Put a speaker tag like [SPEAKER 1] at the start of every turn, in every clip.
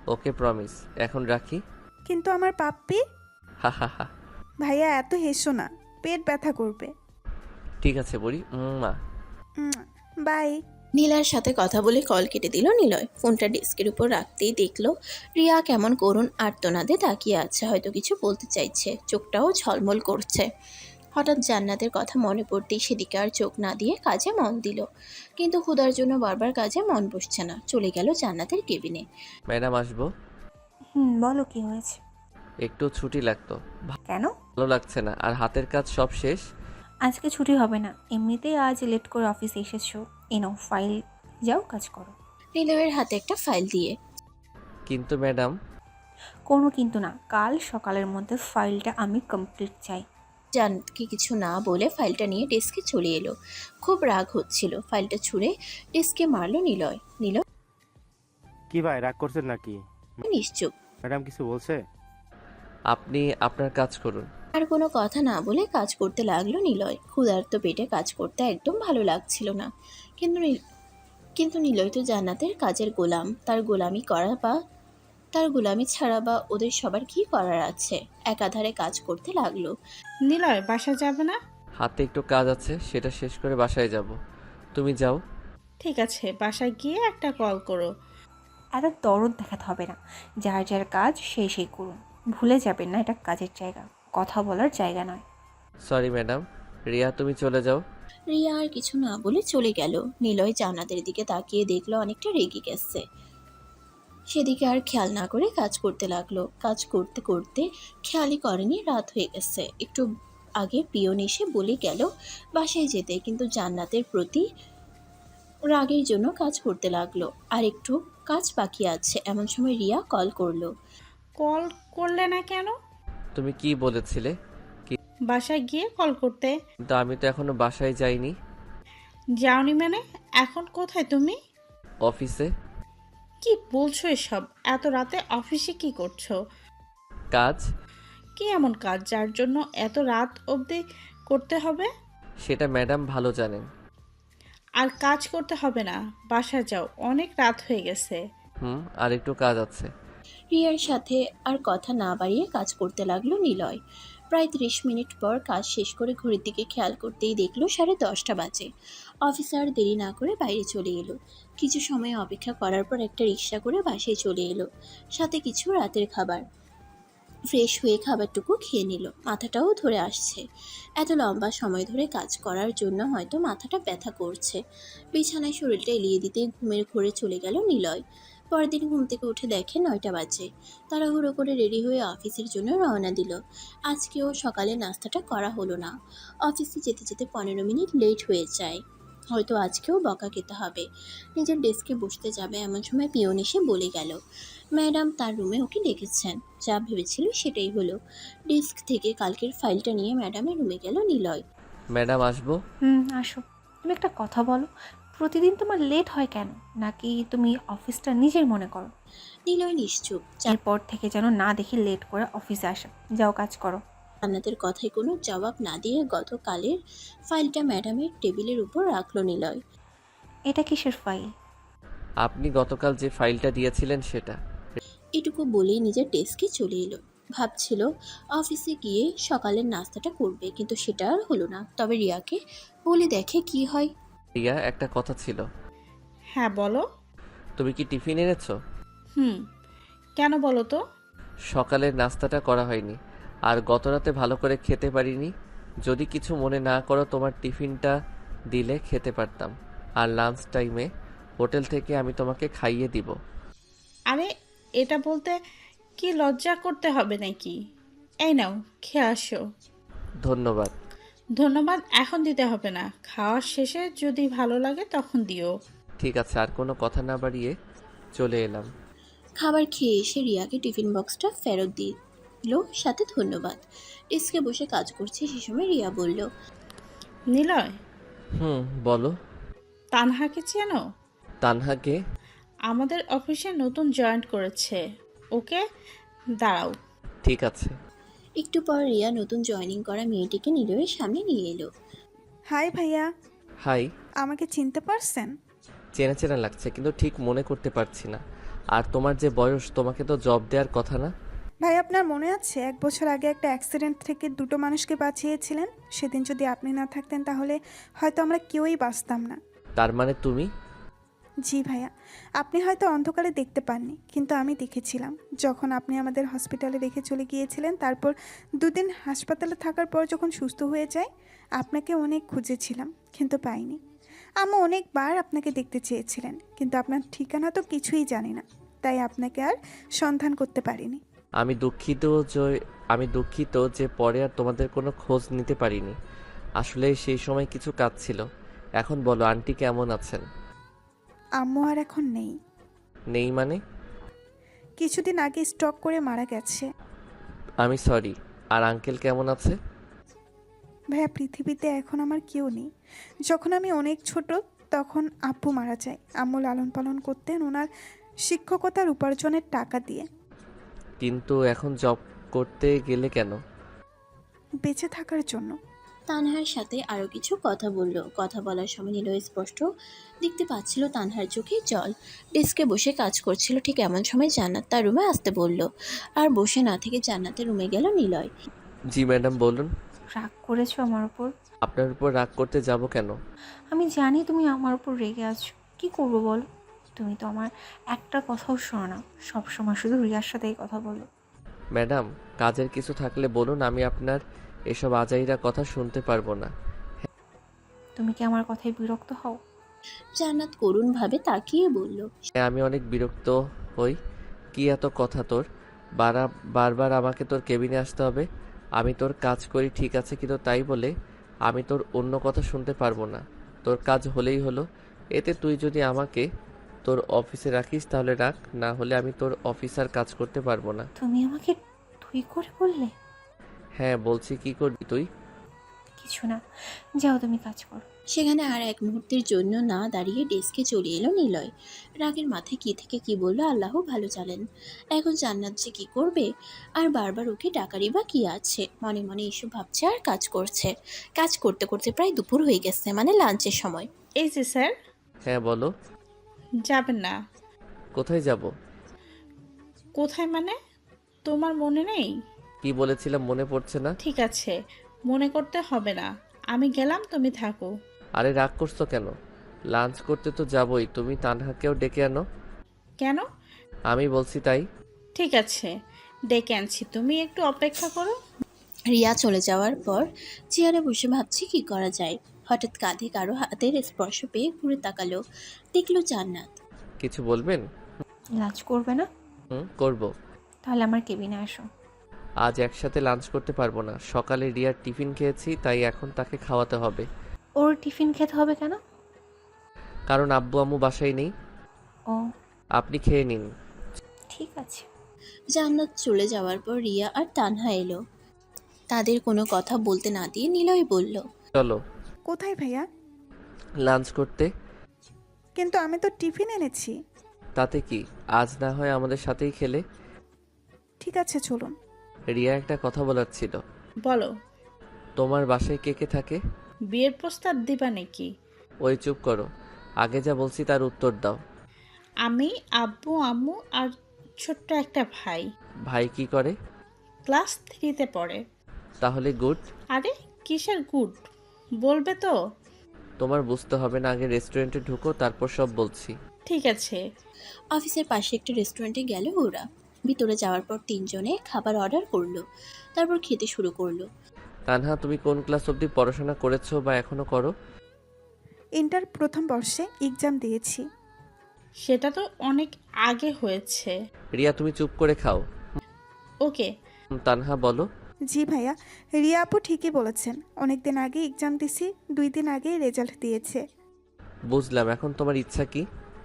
[SPEAKER 1] ওকে promise. এখন রাখি।
[SPEAKER 2] কিন্তু আমার পাপ্পি।
[SPEAKER 1] হা হা হা।
[SPEAKER 2] ভাইয়া এত হেসো না, পেট ব্যথা করবে।
[SPEAKER 1] ঠিক আছে বড়ি। মা।
[SPEAKER 2] বাই।
[SPEAKER 3] নীলার সাথে কথা বলে কল কেটে দিল নিলয়। ফোনটা ডেস্কের উপর রাখতেই দেখলো রিয়া কেমন করুণ আর্তনাদে তাকিয়ে আছে, হয়তো কিছু বলতে চাইছে, চোখটাও ঝলমল করছে। হঠাৎ জান্নাতের কথা মনে পড়তেই সেদিকে আর চোখ না দিয়ে কাজে মন দিল, কিন্তু ক্ষুধার জন্য বারবার কাজে মন বসছে না। চলে গেল জান্নাতের কেবিনে।
[SPEAKER 1] ম্যাডাম আসবো?
[SPEAKER 4] বলো কি হয়েছে?
[SPEAKER 1] একটু ছুটি লাগতো।
[SPEAKER 4] কেন?
[SPEAKER 1] ভালো লাগছে না, আর হাতের কাজ সব শেষ।
[SPEAKER 4] আজকে ছুটি হবে না, এমনিতেই আজ লেট করে অফিসে এসেছো। এনো ফাইল, যাও কাজ করো।
[SPEAKER 3] নিলয়ের হাতে একটা ফাইল দিয়ে।
[SPEAKER 1] কিন্তু ম্যাডাম।
[SPEAKER 4] কোনো কিন্তু না, কাল সকালের মধ্যে ফাইলটা আমি কমপ্লিট চাই।
[SPEAKER 3] জান্নাতকে কিছু না বলে ফাইলটা নিয়ে ডেস্কে চলে এলো। খুব রাগ হচ্ছিল, ফাইলটা ছুঁড়ে ডেস্কে মারলো নিলয়। নিলয়
[SPEAKER 5] কি ভাই, রাগ করছেন নাকি?
[SPEAKER 3] নিশ্চুপ।
[SPEAKER 5] ম্যাডাম কিছু বলছে?
[SPEAKER 1] আপনি আপনার কাজ করুন।
[SPEAKER 3] আর কোনো কথা না বলে কাজ করতে লাগলো নিলয়। ক্ষুধার্ত পেটে কাজ করতে একদম ভালো লাগছিল না, কিন্তু কিন্তু নিলয় তো জান্নাতের কাজের গোলাম। তার গোলামি ছাড়া বা ওদের সবার কি করার আছে। একাধারে কাজ করতে লাগলো।
[SPEAKER 6] নিলয় বাসা যাবে না?
[SPEAKER 1] হাতে একটু কাজ আছে, সেটা শেষ করে বাসায় যাব। তুমি যাও।
[SPEAKER 6] ঠিক আছে, বাসায় গিয়ে একটা কল করো।
[SPEAKER 4] এত দরদ দেখাতে হবে না, যার যার কাজ সেই সেই করুন। ভুলে যাবেন না, এটা কাজের জায়গা, কথা বলার জায়গা নয়।
[SPEAKER 1] Sorry madam. রিয়া তুমি চলে যাও।
[SPEAKER 3] রিয়া আর কিছু না বলে চলে গেল। নিলয় জান্নাতের দিকে তাকিয়ে দেখলো অনেকটা রেগে গেছে। সেদিকে আর খেয়াল না করে কাজ করতে লাগলো। কাজ করতে করতে খেয়ালই করেনি রাত হয়ে গেছে। একটু আগে পিয়ন এসে বলে গেল বাসায় যেতে, কিন্তু জান্নাতের প্রতি রাগের জন্য কাজ করতে লাগলো। আর একটু কাজ বাকি আছে, এমন সময় রিয়া কল করলো।
[SPEAKER 6] কল করলে না কেন?
[SPEAKER 1] তুমি কি বলেছিলে?
[SPEAKER 6] বাসায় গিয়ে কল করতে।
[SPEAKER 1] কিন্তু আমি তো এখনো বাসায় যাইনি।
[SPEAKER 6] যাওনি মানে? এখন কোথায় তুমি?
[SPEAKER 1] অফিসে।
[SPEAKER 6] কি বলছো এসব? এত রাতে অফিসে কি করছো?
[SPEAKER 1] কাজ।
[SPEAKER 6] কি এমন কাজ যার জন্য এত রাত অবধি করতে হবে?
[SPEAKER 1] সেটা ম্যাডাম ভালো জানেন।
[SPEAKER 6] আর কাজ করতে হবে না, বাসায় যাও, অনেক রাত হয়ে গেছে।
[SPEAKER 1] আর একটু কাজ আছে।
[SPEAKER 3] রিয়ার সাথে আর কথা না বাড়িয়ে কাজ করতে লাগলো নিলয়। প্রায় 30 মিনিট পর কাজ শেষ করে ঘড়ির দিকে খেয়াল করতেই দেখলো 10:30 বাজে। অফিসার দেরি না করে বাইরে চলে এলো। কিছু সময় অপেক্ষা করার পর একটা রিক্সা করে বাসায় চলে এলো, সাথে কিছু রাতের খাবার। ফ্রেশ হয়ে খাবারটুকু খেয়ে নিল। মাথাটাও ধরে আসছে, এত লম্বা সময় ধরে কাজ করার জন্য হয়তো মাথাটা ব্যথা করছে। বিছানায় শরীরটা এলিয়ে দিতে ঘুমের ঘোরে চলে গেল নিলয়। পরদিন ঘুম থেকে উঠে দেখে 9টা বাজে। তাড়াহুড়ো করে রেডি হয়ে অফিসের জন্য রওনা দিল। আজকেও সকালে নাস্তাটা করা হলো না। অফিসে যেতে যেতে 15 মিনিট লেট হয়ে যায়। হয়তো আজকেও বকা খেতে হবে। নিজের ডেস্কে বসতে যাবে এমন সময় পিয়ন এসে বলে গেল ম্যাডাম তার রুমে ওকে ডেকেছেন। যা ভেবেছিল সেটাই হলো। ডেস্ক থেকে কালকের ফাইলটা নিয়ে ম্যাডামের রুমে গেল নিলয়।
[SPEAKER 1] ম্যাডাম আসবো?
[SPEAKER 4] আসো। তুমি একটা কথা বলো, প্রতিদিন তোমার লেট হয় কেন? নাকি তুমি অফিসটা নিজের মনে করো?
[SPEAKER 3] নিলয় নিশ্চুপ।
[SPEAKER 4] এরপর থেকে যেন না দেখি লেট করে অফিসে আসা। যাও কাজ করো।
[SPEAKER 3] জান্নাতের কথায় কোনো জবাব না দিয়ে গতকালের ফাইলটা ম্যাডামের টেবিলের উপর রাখলো নিলয়।
[SPEAKER 4] এটা কিসের ফাইল?
[SPEAKER 1] আপনি গতকাল যে ফাইলটা দিয়েছিলেন সেটা।
[SPEAKER 3] এটুকু বলেই নিজের ডেস্কে চলে এলো। ভাবছিল অফিসে গিয়ে সকালের নাস্তাটা করবে, কিন্তু সেটা আর হলো না। তবে রিয়াকে বলে দেখে কি হয়।
[SPEAKER 1] রিয়া, একটা কথা ছিল।
[SPEAKER 6] হ্যাঁ বলো।
[SPEAKER 1] তুমি কি টিফিন এনেছো?
[SPEAKER 6] কেন বলো তো?
[SPEAKER 1] সকালের নাস্তাটা করা হয়নি, আর গতরাতে ভালো করে খেতে পারিনি। যদি কিছু মনে না করো, তোমার টিফিনটা দিলে খেতে পারতাম, আর লাঞ্চ টাইমে হোটেল থেকে আমি তোমাকে খাইয়ে দিব।
[SPEAKER 6] আরে, এটা বলতে কি লজ্জা করতে হবে নাকি? এই নাও, খেয়ে আসো।
[SPEAKER 1] ধন্যবাদ।
[SPEAKER 6] ধন্যবাদ এখন দিতে হবে না, খাওয়ার শেষে যদি ভালো লাগে তখন দিও।
[SPEAKER 1] ঠিক আছে, আর কোনো কথা না বাড়িয়ে চলে এলাম।
[SPEAKER 3] খাবার খেয়ে এসে রিয়াকে টিফিন বক্সটা ফেরত দিল, সাথে ধন্যবাদ। ডেস্কে বসে কাজ করছে সে সময় রিয়া বলল,
[SPEAKER 6] নিলয়,
[SPEAKER 1] বলো।
[SPEAKER 6] তানহাকে চেনো?
[SPEAKER 1] তানহাকে?
[SPEAKER 6] আমাদের অফিসে নতুন জয়েন করেছে। ওকে, দাঁড়াও।
[SPEAKER 1] ঠিক আছে।
[SPEAKER 3] একটু পর রিয়া নতুন জয়েনিং করা মেয়েটিকে নিলয়ের সামনে নিয়ে এলো।
[SPEAKER 2] হাই ভাইয়া।
[SPEAKER 1] হাই।
[SPEAKER 2] আমাকে চিনতে পারছেন?
[SPEAKER 1] চেনা চেনা লাগছে, কিন্তু ঠিক মনে করতে পারছি না। আর তোমার যে বয়স, তোমাকে তো জব দেওয়ার কথা না?
[SPEAKER 2] ভাই আপনার মনে আছে 1 বছর আগে একটা অ্যাক্সিডেন্ট থেকে 2টো মানুষকে বাঁচিয়েছিলেন? সেদিন যদি আপনি না থাকতেন তাহলে হয়তো আমরা কেউই বাঁচতাম না।
[SPEAKER 1] তার মানে তুমি?
[SPEAKER 2] জি ভাইয়া, আপনি হয়তো অন্ধকারে দেখতে পাননি, কিন্তু আমি দেখেছিলাম। যখন আপনি আমাদের হসপিটালে রেখে চলে গিয়েছিলেন, তারপর 2 দিন হাসপাতালে থাকার পর যখন সুস্থ হয়ে যায়, আপনাকে অনেক খুঁজেছিলাম কিন্তু পাইনি। আম্মু অনেকবার আপনাকে দেখতে চেয়েছিলেন, কিন্তু আপনার ঠিকানা তো কিছুই জানি না, তাই আপনাকে আর সন্ধান করতে পারিনি।
[SPEAKER 1] আমি দুঃখিত যে আমি দুঃখিত যে পরে আর তোমাদের কোনো খোঁজ নিতে পারিনি। আসলে সেই সময় কিছু কাজ ছিল। এখন বলো, আন্টি কেমন আছেন?
[SPEAKER 2] আম্মু আর এখন নেই।
[SPEAKER 1] নেই মানে?
[SPEAKER 2] কিছুদিন আগে স্ট্রোক করে মারা গেছে।
[SPEAKER 1] আমি সরি। আর আঙ্কেল কেমন আছে?
[SPEAKER 2] ভাইয়া পৃথিবীতে এখন আমার কেউ নেই। যখন আমি অনেক ছোট তখন আব্বু মারা যায়। আম্মু লালন পালন করতেন ওনার শিক্ষকতার উপার্জনের টাকা দিয়ে।
[SPEAKER 1] কিন্তু এখন জব করতে গেলে কেন?
[SPEAKER 2] বেঁচে থাকার জন্য।
[SPEAKER 3] তানহার সাথে আরও কিছু কথা বলল। কথা বলার সময় নিলয় স্পষ্ট দেখতে পাচ্ছিল তানহার চোখে জল। ডেস্কে বসে কাজ করছিল, ঠিক এমন সময় জান্নাত তার রুমে আসতে বলল। আর বসে না থেকে জান্নাতের রুমে গেল নিলয়।
[SPEAKER 1] জি ম্যাডাম, বলুন।
[SPEAKER 4] রাগ করেছো আমার উপর?
[SPEAKER 1] আপনার উপর রাগ করতে যাব কেন?
[SPEAKER 4] আমি জানি তুমি আমার উপর রেগে আছো। কি করবো বলো? তুমি তো আমার একটা কথাও শোনো না, সবসময় শুধু রিয়ার সাথেই কথা বলো।
[SPEAKER 1] ম্যাডাম, কাজের কিছু থাকলে বলুন, আমি আপনার এসব আজাইরা কথা শুনতে পারবো না।
[SPEAKER 4] তুমি কি আমার কথায় বিরক্ত হও?
[SPEAKER 3] জান্নাত করুণভাবে তাকিয়ে বলল।
[SPEAKER 1] হ্যাঁ, আমি অনেক বিরক্ত হই। কি এত কথা তোর? বারবার আমাকে তোর কেবিনে আসতে হবে? আমি তোর কাজ করি ঠিক আছে, কিন্তু তাই বলে আমি তোর অন্য কথা শুনতে পারবো না। তোর কাজ হলেই হলো। এতে তুই যদি আমাকে তোর অফিসে রাখিস তাহলে রাখ, না হলে আমি তোর অফিসার কাজ করতে পারবো না।
[SPEAKER 4] তুমি আমাকে তুই করে বললে?
[SPEAKER 1] হ্যাঁ বলছি, কি করবি তুই?
[SPEAKER 4] কিছু না, যাও তুমি কাজ করো।
[SPEAKER 3] সেখানে আর এক মুহূর্তের জন্য না দাঁড়িয়ে ডেস্কে চলে এলো নিলয়। রাগের মাথায় কি থেকে কি বললো আল্লাহ ভালো জানেন। এখন জান্নাত যে কি করবে, আর বারবার ওকে ডাকারই বা কি আছে। মনে মনে এসব ভাবছে আর কাজ করছে। কাজ করতে করতে প্রায় দুপুর হয়ে গেছে, মানে লাঞ্চের সময়।
[SPEAKER 6] এই যে স্যার,
[SPEAKER 1] হ্যাঁ বলো।
[SPEAKER 6] যাবেন না?
[SPEAKER 1] কোথায় যাব?
[SPEAKER 6] কোথায় মানে? তোমার মনে নেই?
[SPEAKER 1] কি বলেছিলাম মনে পড়ছে না।
[SPEAKER 6] ঠিক আছে, মনে করতে হবে না। আমি গেলাম, তুমি থাকো।
[SPEAKER 1] আরে রাগ করছো কেন? লাঞ্চ করতে তো যাবই, তুমি তানহাকেও ডেকে আনো।
[SPEAKER 6] কেন?
[SPEAKER 1] আমি বলছি তাই।
[SPEAKER 6] ঠিক আছে, ডেকে আনছি, তুমি একটু অপেক্ষা করো।
[SPEAKER 3] রিয়া চলে যাওয়ার পর চেয়ারে বসে ভাবছি কি করা যায়। হঠাৎ কাঁধে কারো হাতের স্পর্শ পেয়ে ঘুরে তাকালো, দেখলো জান্নাত।
[SPEAKER 1] কিছু বলবেন?
[SPEAKER 4] লাঞ্চ করবে না?
[SPEAKER 1] করব।
[SPEAKER 4] তাহলে আমার কেবিনে আসো।
[SPEAKER 1] আজ একসাথে লাঞ্চ করতে পারবো না। সকালে রিয়ার টিফিন খেয়েছি, তাই এখন তাকে খাওয়াতে হবে।
[SPEAKER 4] ওর টিফিন খেতে হবে কেন?
[SPEAKER 1] কারণ আব্বু আম্মু বাসায় নেই।
[SPEAKER 4] ও
[SPEAKER 1] আপনি খেয়ে নিন।
[SPEAKER 4] ঠিক আছে।
[SPEAKER 3] জান্নাত চলে যাওয়ার পর রিয়া আর তানহা এলো। তাদের কোনো কথা বলতে না দিয়ে নিলয় বলল।
[SPEAKER 1] চলো
[SPEAKER 2] কোথায় ভাইয়া?
[SPEAKER 1] লাঞ্চ করতে।
[SPEAKER 2] কিন্তু আমি তো টিফিন এনেছি।
[SPEAKER 1] তাতে কি, আজ না হয় আমাদের সাথেই খেলে।
[SPEAKER 2] ঠিক আছে চলুন।
[SPEAKER 1] রিয়া, একটা কথা বলার ছিল।
[SPEAKER 6] বলো।
[SPEAKER 1] তোমার বাসায় কে কে থাকে?
[SPEAKER 6] বিয়ের প্রস্তাব দিবা নাকি?
[SPEAKER 1] ওই চুপ করো, আগে যা বলছি তার উত্তর দাও।
[SPEAKER 6] আমি, আব্বু আম্মু আর ছোট্ট একটা ভাই।
[SPEAKER 1] ভাই কি করে?
[SPEAKER 6] ক্লাস 3-তে পড়ে।
[SPEAKER 1] তাহলে গুড।
[SPEAKER 6] আরে কিসের গুড, বলবে তো?
[SPEAKER 1] তোমার বুঝতে হবে না, আগে রেস্টুরেন্টে ঢুকো, তারপর সব বলছি।
[SPEAKER 6] ঠিক আছে।
[SPEAKER 3] অফিসের পাশে একটা রেস্টুরেন্টে গেল ওরা। ভিতরে যাওয়ার পর তিনজনে খাবার অর্ডার করলো, তারপর খেতে শুরু করলো।
[SPEAKER 1] তানহা, তুমি কোন ক্লাস অবধি পড়াশোনা করেছো বা এখনো করো?
[SPEAKER 2] ইন্টার প্রথম বর্ষে এক্সাম দিয়েছি।
[SPEAKER 6] সেটা তো অনেক আগে হয়েছে।
[SPEAKER 1] রিয়া, তুমি চুপ করে খাও।
[SPEAKER 6] ওকে।
[SPEAKER 1] তানহা বলো।
[SPEAKER 2] জি ভাইয়া, রিয়া আপু ঠিকই বলেছেন। অনেক দিন আগে এক্সাম দিছি, 2 দিন আগেই রেজাল্ট দিয়েছে।
[SPEAKER 1] বুঝলাম, এখন তোমার ইচ্ছা কি?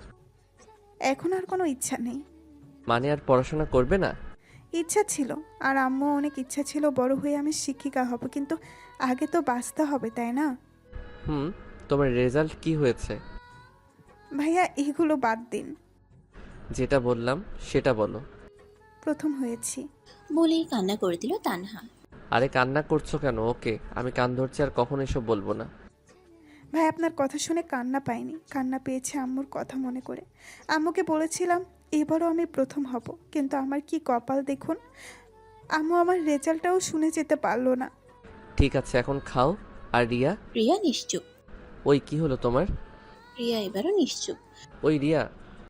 [SPEAKER 2] এখন আর কোনো ইচ্ছা নেই।
[SPEAKER 1] মানে আর পড়াশোনা করবে না?
[SPEAKER 2] ইচ্ছা ছিল, আর আম্মু অনেক ইচ্ছা ছিল বড় হয়ে আমি শিক্ষিকা হব, কিন্তু আগে তো বাঁচতে হবে তাই না?
[SPEAKER 1] তোমার রেজাল্ট কি হয়েছে?
[SPEAKER 2] ভাইয়া এগুলো বাদ দিন।
[SPEAKER 1] যেটা বললাম সেটা বলো।
[SPEAKER 2] প্রথম হয়েছি।
[SPEAKER 3] বলেই কান্না করে দিল তানহা।
[SPEAKER 1] আরে কান্না করছো কেন? ওকে, আমি কান ধরছি, আর কখনো এসব বলবো না।
[SPEAKER 2] ভাই আপনার কথা শুনে কান্না পাইনি, কান্না পেয়েছে আম্মুর কথা মনে করে। আম্মুকে বলেছিলাম এবারও আমি প্রথম হব, কিন্তু আমার কি কপাল দেখুন, আম্মু আমার রেজাল্টটাও শুনে যেতে পারলো না।
[SPEAKER 1] ঠিক আছে, এখন খাও। আর রিয়া?
[SPEAKER 3] রিয়া নিশ্চুপ।
[SPEAKER 1] ওই কি হলো তোমার?
[SPEAKER 3] রিয়া এবারও নিশ্চুপ।
[SPEAKER 1] ওই রিয়া,